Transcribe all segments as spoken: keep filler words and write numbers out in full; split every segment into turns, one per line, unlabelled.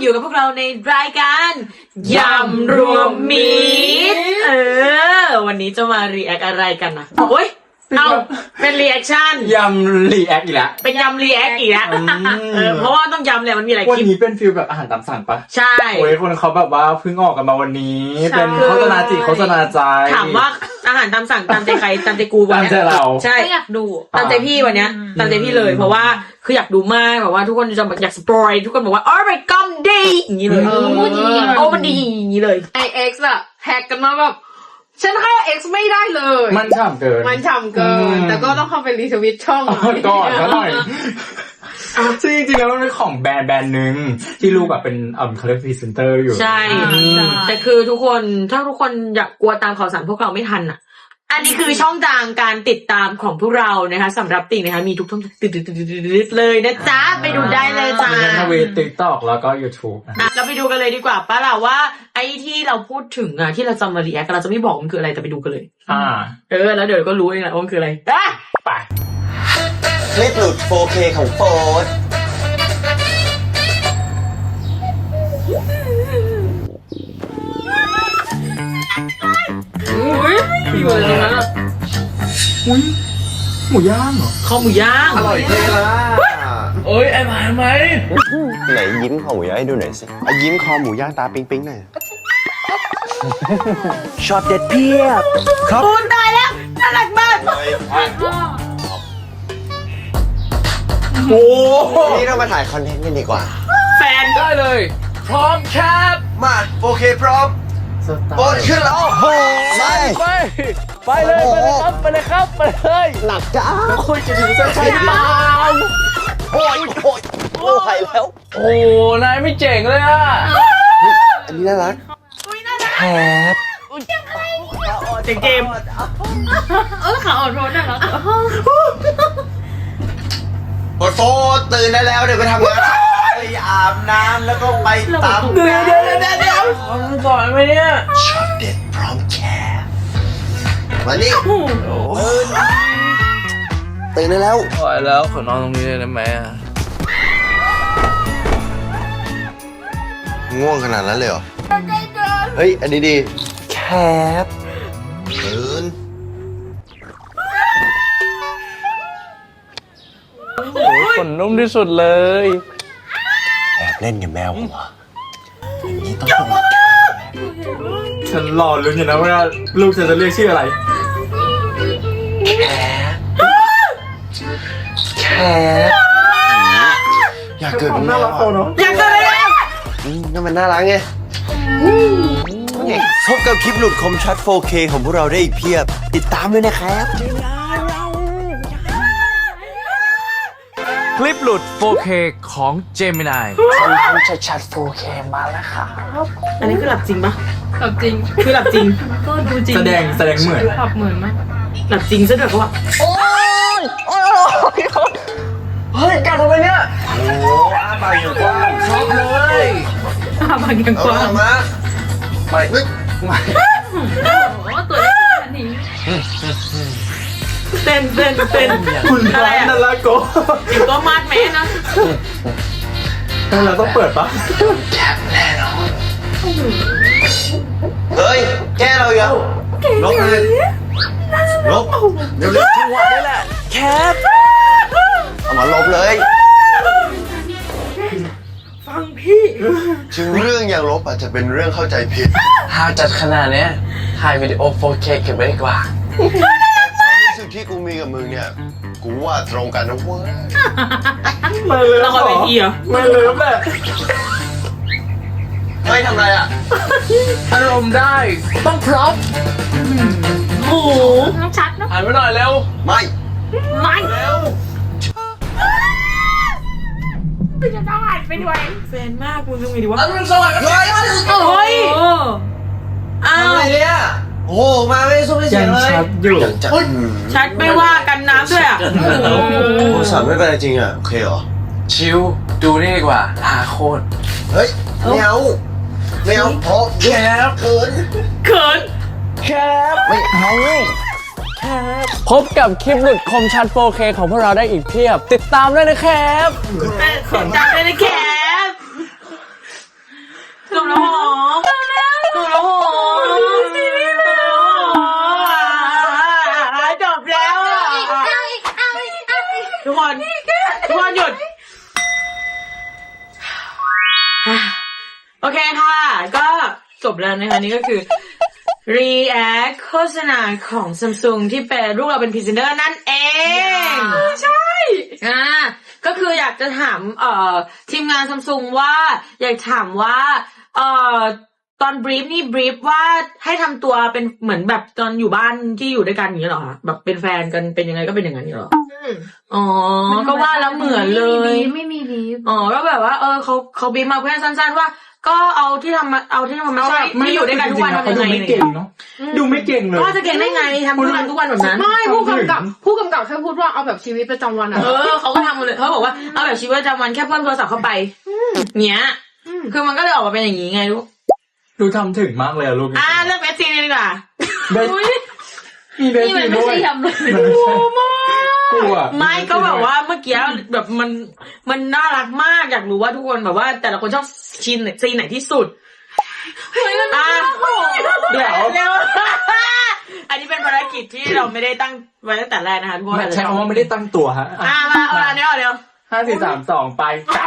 อยู่กับพวกเราในรายการยำรวมมิตรเออวันนี้จะมารีแอคอะไรกันนะโอ้ยเอาเป็นรีแอคชั่น
ยำรีแอคอีกแล้ว
เป็นยำรีแอคอีกแล้วเออเพราะว่าต้องยำเลยมันมีหลายคลิป
วันนี้เป็นฟิลแบบอาหารตามสั่งปะ
ใช่
โอ้ยคนเขาแบบว่าเพิ่งออกกันมาวันนี้เป็นโฆษณาจิตโฆษณาใจ
ถามว่าอาหารตามสั่งตามใจใครตามใจกูวันนี้
ตามใจเรา
ใช่
อยากดู
ตามใจพี่วันนี้ตามใจพี่เลยเพราะว่าคืออยากดูมากแบบว่าทุกคนจะอยากสปอยทุกคนบอกว่าอ๋อมันกำดีอย่างนี้เลยโอ้มันดีอย่างนี้เลย
ไอเอ็กซ์อะแฮกกันมาแบบฉันเข้า X ไม่ได้เลย
มันฉ่ำเกิน
มันฉ่ำเกินแต่ก็ต้องเข้าไปรีทวิตช่อง
ก่อนซะหน่อยซึ่งจริงๆแล้วมันเป็นของแบรนด์แบรนด์หนึ่งที่ลูกแบบเป็นเอ่อเขาเรียกพรีเซนเตอร์อยู่
ใช่แต่คือทุกคนถ้าทุกคนอยากกลัวตามข่าวสารพวกเราไม่ทันอ่ะอันนี้คือช่องทางการติดตามของพวกเรานะคะสำหรับติ่งนะคะมีทุกช่องติดๆๆเลยนะจ๊ะไปดูได้เลยจ้า
ในทวิต TikTok แล้วก็ YouTube
อ่ะเราไปดูกันเลยดีกว่าป้าล่ะว่าไอ้ที่เราพูดถึงอ่ะที่เราจะมารีแอคเราจะไม่บอกมันคืออะไรแต่ไปดูกันเลย
อ่า
เออแล้วเดี๋ยวก็รู้เองแหละว่ามันคืออะไร
ไป
คลิปหลุด โฟร์เค ของโฟร์
อุ้ยอยู่อะไรตรงนั้นอ่ะ
อุ้ยหมูย่างเหรอ
ข้าวหมูย่าง
อร่อยเท่ละ
โอ้ยไอ้หมาทำไม
ไหนยิ้มคอหมูย่างให้ดูหน่อยสิยิ้มคอหมูย่างตาปิ๊งปิ๊งหน่อยช็อตเด็ดเพียบ
ครับปูนตายแล้วน่ารักมาก
โอ้
นี่เรามาถ่ายคอนเทนต์กันดีกว่า
แฟน
ได้เลยพร้อมครับ
มา โฟร์เค พร้อมโอนขึ้นแล้วโอ้โหไป
ไปไปเลยไปเลยครับไปเลยครับไปเลย
หนักจ้า
คุยจะถึงเส้นชัยเปล่า
โอ้ยโอ้ยโอ้ยแล้ว
โอ้นายไม่เจ๋งเลยอ่ะ
อันนี้น่ารักแฮป
เจ๋งเกม
เออขาอ่อนโทนน่ารัก
โอ้โหตื่นได้แล้วเดี๋ยวไปทำงานไปอาบน้ำแล้วก็ไปตาม
เดี๋ยวเดี๋ยวเดี๋ยวเดี๋ยว
สอนไหมเนี่ย
ช็อตเด็ดพร้อมแคร์มานี่ตื่นได้แล้ว
พอแล้วขอนอนตรงนี้เลยได้ไหมอ่ะ
ง่วงขนาดนั้นเลยเหรอเฮ้ยอันนี้ดีแคปตื่น
โอ้ยขนนุ่มที่สุดเลย
แอบเล่นกับแมวผมอ่ะอย่างนี้ต้อง
ฉันรอลุ้นอยู่นะว่าลูกฉันจะเรียกชื่ออะไร
แคปอยากเกิดเป็นแมว
อยากเกิดอะไรอ่ะ
นั่นมันน่ารักไงพบกับคลิปหลุดคมชัด โฟร์เค ของพวกเราได้อีกเพียบติดตามด้วยนะครับ
คลิปหลุด โฟร์เค ของ Gemini
คอนเทนต์ชัดๆ โฟร์เค มาแล้วครับ
อันนี้คือหลับจริงปะ
หลับจริง
คือหลับจริง
ก็ดูจริง
แสดงแสดงเหมือน
หลับเหมือนมาก
หลับจริงซะด้วยเพราะว่า
โอ้ยโอ้ยเฮ้ยกัดทำไมเนี่ยโอ้อาปากอย่างกว้างชอบเลย
อาปากอย่างกว้าง
มาไม่ไม่ไม่
โอ้ตัวเล็กขนาดนี้
เต้นเต้นเต้น
คุณพระนั่นละโก้
ถึงก็มาดแม่นะ
แต่เราต้องเปิดปะ
แคปแน่นอนเฮ้ยแกเรายังลบเลยลบเดี๋ยวเร็วจังหวะนี้แหละแคปเอามาลบเลย
ฟังพี่
ถึงเรื่องอย่างลบอาจจะเป็นเรื่องเข้าใจผิด
หาจัดขนาดนี้ถ่ายวิดีโอ โฟร์เค เก็บไว้ดีกว่า
รู้สึกที่กูมีกับมึงเนี่ยกูว่าตรงกันนะเว้ย
มาเลย
ละครเวทีเหรอ
มาเลยแม่
ไม่ทำไรอ่ะ
อารมณ์ได้ต้องพร้อม
โอ้โห
ต้องชัดนะ
หันไปหน่อยเร็ว
ไม่
ไม่
เร็ว
ไม่จะต้องหันไปด้วย
แฟนมากคุณทำไงดีวะ
อันเป็นสวัสดิ์
โอ้ย
อ้าวอะไรเนี่ยโอ้มาไม่สู้ไม่เสียเลย
ชัดอยู่
ชัดไม่ว่ากันน้ำด้วยอ่ะ
โทรศัพท์ไม่เป็นไรจริงอ่ะโอเคเหรอ
ชิวดูนี่ดีกว่าหาโคตร
เฮ้ยไม่เอาไม่เอาพอแคบเขิน
เขิน
แคบ
ไม่เอา
แคบพบกับคลิปหลุดคมชัด โฟร์เค ของพวกเราได้อีกเพียบติดตามด้วยนะครับ
ติดตามด้วยนะครับโอเคค่ะ ก็จบแล้วนะคะนี่ก็คือ react โฆษณาของ Samsung ที่เป็นลูกเราเป็นพรีเซนเตอร์นั่นเองใช่อ่าก็คืออยากจะถามเอ่อทีมงาน Samsung ว่าอยากถามว่าเอ่อตอนบรีฟนี่บรีฟว่าให้ทำตัวเป็นเหมือนแบบตอนอยู่บ้านที่อยู่ด้วยกันอย่างนี้เหรอคะแบบเป็นแฟนกันเป็นยังไงก็เป็นอย่างนั้นเหรออ๋อก็ว่าแล้วเหมือนเลย
ไม่มีบีฟ
อ๋อก็แบบว่าเออเขาเขาบีบมาเพื่อนสั้นๆว่า ก็เอาที่ทำมาเอาที่ทำมาใช่ที่อยู่ด้วยกันทุกวันทำยังไง
ดูไม่เก่งเนาะดูไม่เก่งเลย
ก็จะเก่งได้ไงทำทุกวันทุกวันแบบนั้น
ไม่ผู้กำกับผู้กำกับแค่พูดว่าเอาแบบชีวิตประจำวันอะ
เออเขาก็ทำมาเลยเขาบอกว่าเอาแบบชีวิตประจำวันแค่เพิ่มโทรศัพท์เข้าไปเนี้ยคือมันก็เลยออกมาเป็นอย่างนี้ไงลูก
ดูทำถึงมากเลยอะลูก
อ่าเลือกเบสซีดีกว่า
เบสมีเบส
นี่มัน
ซี
ไม่
ด้ว
ใช่
ย
ยำเลย
มันไม่ใช่กลัว
ไม่ก็แบบว่าเมื่อกี้แบบมันมันน่ารักมากอยากรู้ว่าทุกคนแบบว่าแต่ละคนชอบซีนไหนซีนไหนที่สุดอ่ะเดี๋ยวเร็วอันนี้เป็นภารกิจที่เราไม่ได้ตั้งไว้ตั้งแต่แรกนะคะทุกคน
ใช่เพราะว่าไม่ได้ตั้งตัวฮะ
อ่ะมาเอาละเดี๋ยวเดี๋ยว
ห้าสี่สามสองไปจับ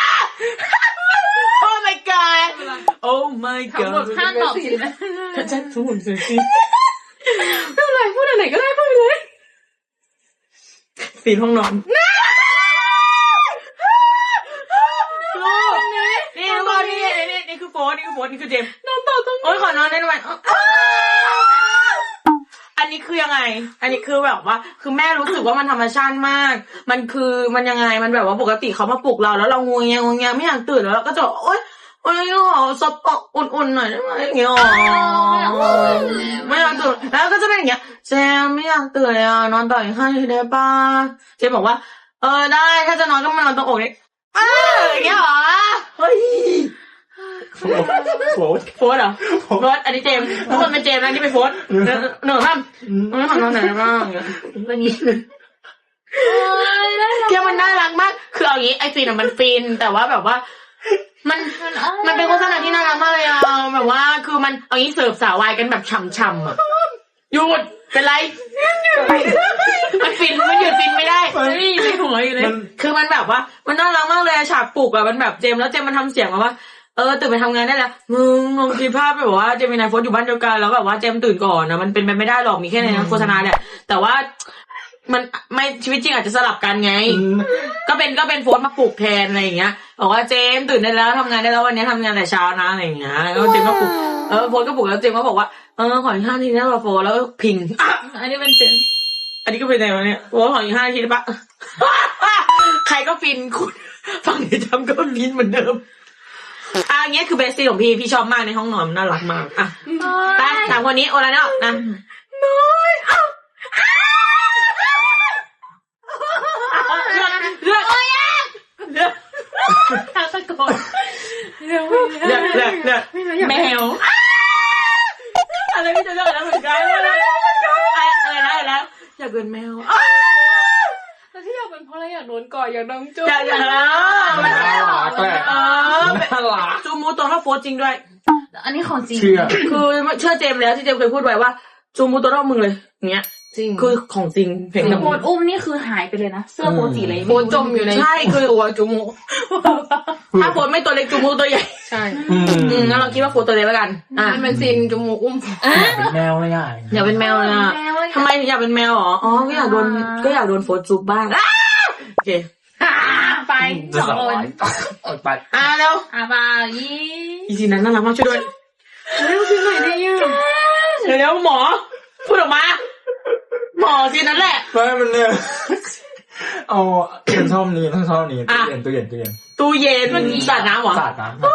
โอ้ my god โอ้ my
ทั้งหมด
god
ห้าตอบสินะ
ฉันทุกคนสิ
ไม่เป็นไรพูดอะไรก็ได้พูดเลย
สีห้องนอนนี่ทุกคนนี่นี่นี่คือโฟนนี่คือโฟนนี่คือเจมส์
นอนต่อตรง
โอ้ยขอนอนได้ไหมอันนี้คือยังไง อันนี้คือแบบว่า คือแม่รู้สึกว่ามันธรรมชาติมาก มันคือมันยังไงมันแบบว่าปกติเขามาปลุกเราแล้วเรางวงเงียงวงเงียไม่อยากตื่นแล้วเราก็จะโอ๊ยโอ๊ยขอซบปอกอุ่นๆหน่อยได้ไหมอย่างเงี้ยไม่อยากตื่นแล้วก็จะเป็นอย่างเงี้ยเจมไม่อยากตื่นเลยอ่ะนอนต่ออีกห้านาทีได้ป่ะเจมบอกว่าเออได้ถ้าจะนอนก็มานอนตรงอกนี่เอออย่างเงี้ยเหรอเฮ้ย
โฟด
โฟสเหรอโฟสอันนี้เจมส์ทุกคนเป็นเจมส์นะนี่เป็นโฟสหนึ่งครับไม่ขอนอนไหนบ้าง
วันนี้
แค่มันน่ารักมากคือเอาอย่างนี้ไอฟินอะมันฟินแต่ว่าแบบว่า มันมันเป็นโฆษณาที่น่ารักมากเลยอะแบบว่าคือมันเอางี้เสิร์ฟสาววายกันแบบฉ่ำๆอะหยุดเป็นไรมันฟินมันหยุดฟินไม่ได้นี่ในหัวอยู่เลยคือมันแบบว่ามันน่ารักมากเลยฉากปลุกอะมันแบบเจมส์แล้วเจมส์มันทำเสียงมาว่าเออตื่นไปทำงานได้แล้วมึงลองคิดภาพแบบว่าเจมินายโฟสอยู่บ้านเดียวกันแล้วแบบว่าเจมตื่นก่อนนะมันเป็นไปไม่ได้หรอกมีแค่ในโฆษณาเนี่ยแต่ว่ามันไม่ชีวิตจริงอาจจะสลับกันไงก็เป็นก็เป็นโฟสมาปลุกแทนอะไรอย่างเงี้ยบอกว่าเจมตื่นได้แล้วทำงานได้แล้ววันนี้ทำงานแต่เช้านะอะไรอย่างเงี้ยแล้วเจมก็ปลุกเออโฟสก็ปลุกแล้วเจมก็บอกว่าเออขออีกห้าทีนะโฟสแล้วพิงอันนี้เป็นเจมอันนี้ก็เป็นไงวะเนี่ยโฟสขออีกห้าทีได้ปะใครก็ฟินคุณฟังเดี๋ยวจำก็ฟินเหมือนเดิมอ่ะอย่างเงี้ยคือเบสซีของพี่พี่ชอบมากในห้องนอนมันน่ารักมากอ่ะไปถามคนนี้โอลาเนาะนะน้อยเลือกเลือกเลือก
ทางตะโกน
เลือกเลือกเลือกเลือกแมวอะไรพี่จะเลือกแล้วเหมือนกันอะไรอะไรนะอะไรนะอยากเป็นแมว
แล้วที่อยากเป็นเพราะอะไรอยากโดนก่อยอยากน้องจุ๊
อยากอยาก
น่ารักแหละ
เออ
น่ารัก
จูมูตัวเท่าโฟร์จริงด้วย
อันนี้ของจริง
เชื่อ
คือเชื่อเจมส์แล้วที่เจมส์เคยพูดไว้ว่าจูมูตัวเท่ามึงเลยอย่างเงี้ย
จริง
คือของจริงเพลง
โพสอุ้มนี่คือหายไปเลยนะเสื้อโพสีอะไร
โพสจมอยู่ในใช่คือตัวจูมูถ้าโพสไม่ตัวเล็กจูมูตัวใหญ่
ใช่
อืม
อืมงั้นเราคิดว่าโพสตัวเล็กแล้วกันอ่ะ
มันเป็นซีนจมูกอุ้ม
เป็นแมวเลยอ่ะ
อยากเป็นแมวเลยอ่ะทำไมถึงอยากเป็นแมวหรออ๋อก็อยากโดนก็อยากโดนโฟสจูบบ้างโอเค
ไปสองคน
ออกไป
อ่ะเร็ว
อาบายี่
อีซีนั้นน่ารักมากช่วยด้วย
เร็วคือหน่อยได้ยัง
เร็วหมอพูดออกมาหมอซีนั้นแหละ
ไม่มันเนี่ยเอาฉันชอบนี้ฉันชอบนี้ตู้เย็นตู้เย็นตู้เย็น
ตู้เย็นมันสาดน้ำเหรอ
สาดน้ำ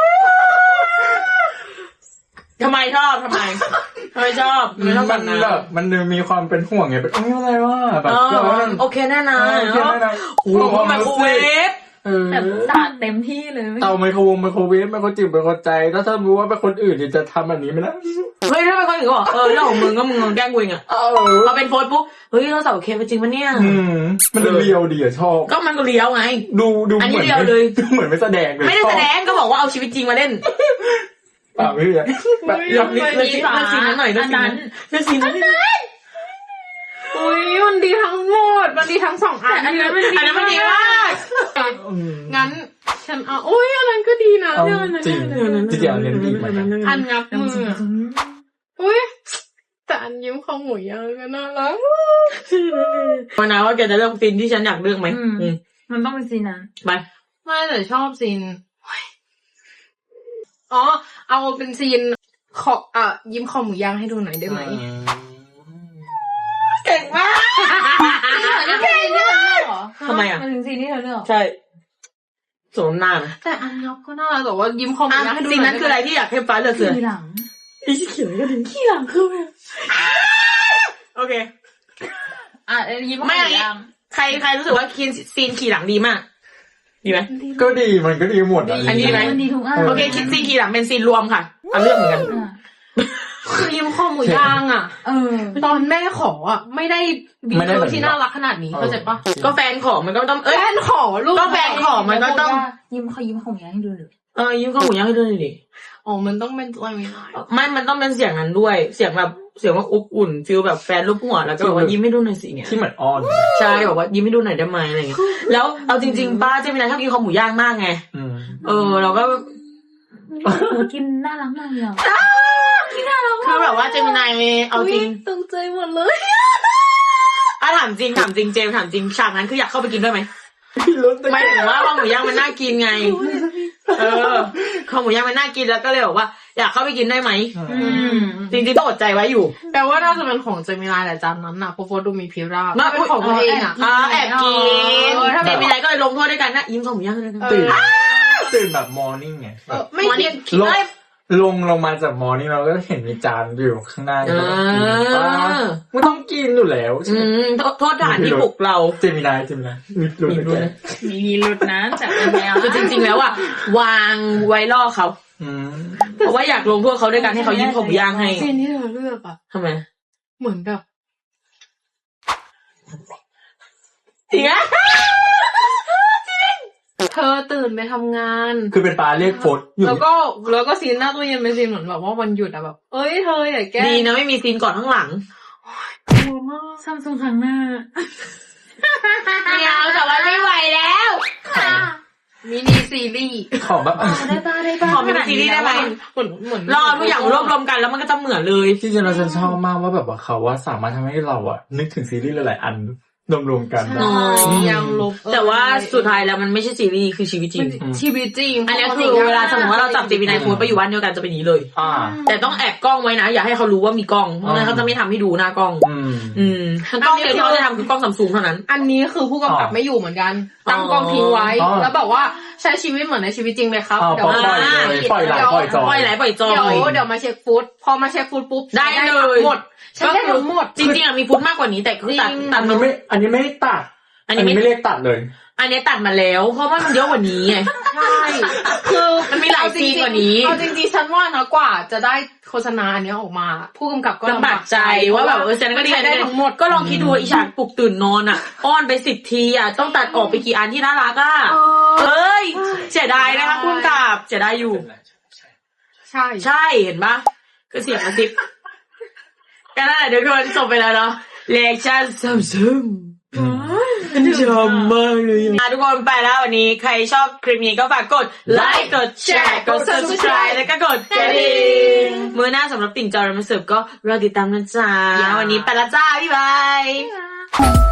ทำไมชอบทำไมทำไมชอบทำไมชอบ
มั
สาน ดน้
แบบมันมีความเป็นห่วงไงเป็นเอ้ยอะไรวะแบ
ำ
บ
เอ
แบบว่า
อโอเคแน่นอน
โอเคแน่นอน
โอ้โหไมโครเวฟ
เออ
แบบสาดเต็มที่เลย
เตาไมโครวงไมโครเวฟไมโครจิ๋วไมโครใจถ้าถ้ารู้ว่าเป็นคนอื่นเนี่ยจะทำแบบนี้ไหมนะ
เฮ้ยถ้าเป็นคนอื่นก็บอกเออเรื่องของมึงก็มึงแกล้งกูเองอะ
เออ
พอเป็นโฟนปุ๊บเฮ้ยเราสาวโอเคไปจริงปะเนี่ย
อืมมันเรียวดีอะชอบ
ก็มันก็เลี้ยวไง
ดูดู
อันนี้
เหมือน
เรียวเลย
ดูเหมือนไม่แสดงเลย
ไม่ได้แสดงก็บอกว่าเอาชีวิตจริงมาเล่น
เปล่าไม่ใช่แบบ
อยากเลือกเลือกซีนเลือกซีนนั้นหน่อยเลือกซีนนั้นเลือกซีนนั้น
อุ้ยมันดีทั้งหมดมันดีทั้งสองอัน
อันนั้นมันอันนั้นมันดีมาก
อืม
งั้นฉันเอาโอ้ยอันนั้นก็ดีนะ
เอา
อันนั้น
จริง
อันนั้น
จริงๆอันนี้ดีเหมือนกัน
อันงับมืออุ้ยแต่อันยิ้มของหมูย่างก็น่ารัก
มานะว่าแกจะเลือกซีนที่ฉันอยากเลือกไหม
อืม
อืม
มันต้องเป็นซีนนั้น
ไป
ไม่แต่ชอบซีนอ๋อเอาเป็นซีนขออ่ะยิ้มของหมูย่างให้ดูหน่อยได้ไหม
เก่งมาก
นี่เป็นซีนที่เธอเลือกเหรอ
ทำไมอ่ะ
มันถึงซีนที่เธอเลือก
ใช่สมน้ำหน้าไหม
แต่อันงับก็น่ารักแต่ว่ายิ้มของหมู
อ่ะ
ย่างให้ดูห
ซีน
น่
นั้
อย
นคืออะไรที่อยากให้ฟ้าเลือกคือ
ทีหลัง
อีเขียวก็ถึงขี้หลังคือโอเค
อ่ะเอ้ยยิ้ม
ไม่
ให้
อันนี้
ยัง
ใครใครรู้สึกว่าซีนซีนขี่หลังดีมาก ดีไหม
ก็ดีมันก็ดีหมดะ
อันนี้ไหม
มันดีทุกอัน
โอเคซีนขี่หลังเป็นซีนรวมค่ะเอาเรื่องเหมือนกัน
อ่ะ
คือยิ้มของหมูย่างอ่ะ
เออ
ตอนแม่ขออ่ะไม่ได้บีเธอที่น่ารักขนาดนี้เข้าใจปะ
ก็แฟนของมันก็ต้องเอ้ย
แฟนขอลูก
ก็แฟนขอมันก็ต้อง
ยิ้มเขายิ้มของยังให้ดูเลย
เออยิ้มข้าวหมูย่างให้ด้วยหน่อยดิ
อ๋อมันต้องเป็นตัวไม่ได้
ไม่มันต้องเป็นเสียงนั้นด้วย เสียงแบบเสียงว่าอบอุ่นฟิลแบบแฟนรูปหัวแล้วก็บอกว่ายิ้มให้ดูหน่อยสิเนี่ย
ที่เหมือนอ้อน
ใช่บอกว่ายิ้มให้ดูหน่อยได้ไหมอะไรอย่างเงี้ยแล้วเอาจริงๆป้าเจมินาชอบกินข้าวหมูย่างมากไง
อืม
เออเราก็
หนูกินน่ารักมากเลยอ่ะ
คือแบบว่าเจมินายเอาจริง
ตกใจหมดเลย
อ่ะถามจริงถามจริงเจมส์ถามจริงฉากนั้นคืออยากเข้าไปกินด้วยไหมไม่ถึงว่าข้าวหมูย่างมันน่ากินไง เออข้าวหมูย่างมันน่ากินแล้วก็เลยบอกว่าอยากเข้าไปกินได้ไหม
อืม
จริงๆต้องอดใจไว้อยู่
แปลว่าน่าจะเป็นของเจมินายแหละจานนั้นน่ะเพราะโฟดูมีพิราบ
มา
เป็นของตัวเองอ่ะ
อ่าแอบกิน
เออถ้า
เจ
แบบ
มินายก็เลยลงโทษด้วยกันนะยิ้มข้าวหมูย่างด้วยกัน
ตื่นตื่นแบบมอร์นิ่งไง
เอ
แบ
อบ ไม่เรียน
ลงลงลงมาจากมอร์นิ่งเราก็เห็นมีจานอยู่ข้างหน้า
เอ
ป้า
อ
ไม่ต้องกินอยู่แล้วใช่
อื
ไหม
มโทษโทษฐานที่ปลุกเรา
เจมินายเจมินายมีรู้
มีรู้
ไหม
นะ
มีมีหลุดนะแต่เป็นแนว
คือจริงๆแล้วอ่ะวางไว้ล่อเขา
อืม
เพราะว่าอยากลงโทษเขาด้วยการให้เขายิ้มข้าวหมูย่างให้
ซีนที่เธอเลือกอ่ะ
ทำไม
เหมือนแบบ
จริงอะ
เธอตื่นไปทำงาน
คือเป็นปลาเรียกโฟดอยู่
แล้วก็แล้วก็ซีนหน้าตู้เย็นเป็นซีนเหมือนแบบว่าวันหยุดอะแบบ เอ้ยเธออย่าแกล้ง
ดีนะไม่มีซีนก่อนข้างหลัง
กลัวมาก
ซัมซุงครั้งหน้า
ไม่เอาแต่ว่าไม่ไหวแล้ว
มินิซีรีส์
ของแบบ
ได้ป่ะได้ป่ะ
ขอมีซีรีส์ได้ไหม
เหมือนเหมือน
รอทุกอย่างรวบรวมกันแล้วมันก็จะเหมือนเลย
ที่จริงเราจะชอบมากว่าแบบว่าเขาว่าสามารถทำให้เราอะนึกถึงซีรีส์หลายๆอันรวมๆกันได้
ใช่ยังลบ
แต่ว่าสุดท้ายแล้วมันไม่ใช่ซีรีส์คือชีวิตจริง
ชีวิตจริง
อันนี้คือเวลาสมมติว่าเราจับเจมินายโฟนไปอยู่บ้านเดียวกันจะเป็นอย่างนี้เลย
อ่า
แต่ต้องแอบกล้องไว้นะ อย่าให้เขารู้ว่ามีกล้องเพราะงั้นเขาจะไม่ทำให้ดูหน้ากล้อง
อืม
อืมกล้องเดียวที่เขาจะทำคือกล้องซัมซุงเท่านั้น
อันนี้คือผู้กำกับ
อ๋อ
ไม่อยู่เหมือนกันตั้งกล้องทิ้งไว้
อ๋อ
แล้วบอกว่าใช้ชีวิตเหมือนในชีวิตจริงไหมครับ
อ๋อ
เดี๋ยว
ปล่อยเลยปล่อยไหลปล่อยจอย
ปล่อยไหลปล่อยจอ
เดี๋ยวย เดี๋ยวมาเช็คฟุตพอมาเช็คฟุตปุ๊บ
ได้เลย
หมดฉันได้ทั้งหมด
จริงๆอะมีฟุตมากกว่านี้แต่คือตัด
จริง
ตั
อั
ด
น
มั
นี้
น
ไม่ อันนี้ไม่ได้ตัด
อั
อั
น
น
นี้
นี้
ไม่
ไม่เรียกตัดเลย
อันนี้ตัดมาแล้ว เพราะว่ามันเยอะกว่านี้ไง
ใช่ คือ
มันมีหลายซีนกว่านี้
เอาจริงๆฉันว่านะกว่าจะได้โฆษณาอันเนี้ยออกมา ผู้กำกับก็
ลำบากใจว่าแบบเออแซนก็ดี
ใช้ได้ทั้งหมด
ก็ลองคิดดูอีฉากปลุกตื่นนอนอ่ะ อ้อนไปสิบทีอ่ะต้องตัดออกไปกี่อันที่น่ารักอ่ะ
เออ
เอ้ยเสียดายนะคะคุณกับเสียดายอยู่
ใช่
ใช่เห็นปะคือเสียงกระซิบกันนั่นแหละเดี๋ยวทุกคนจบไปแล้วเนาะเลคชั่นซัมซุงชอบมากเลยอ่ะทุกคนไปแล้ววันนี้ใครชอบคลิปนี้ก็ฝากกดไลค์กดแชร์กด subscribe แล้วก็กดกระดิ่งมือหน้าสำหรับติ่งจอร์มาเสิร์ฟก็รอติดตามนะจ๊ะวันนี้ไปละจ้าบ๊ายบาย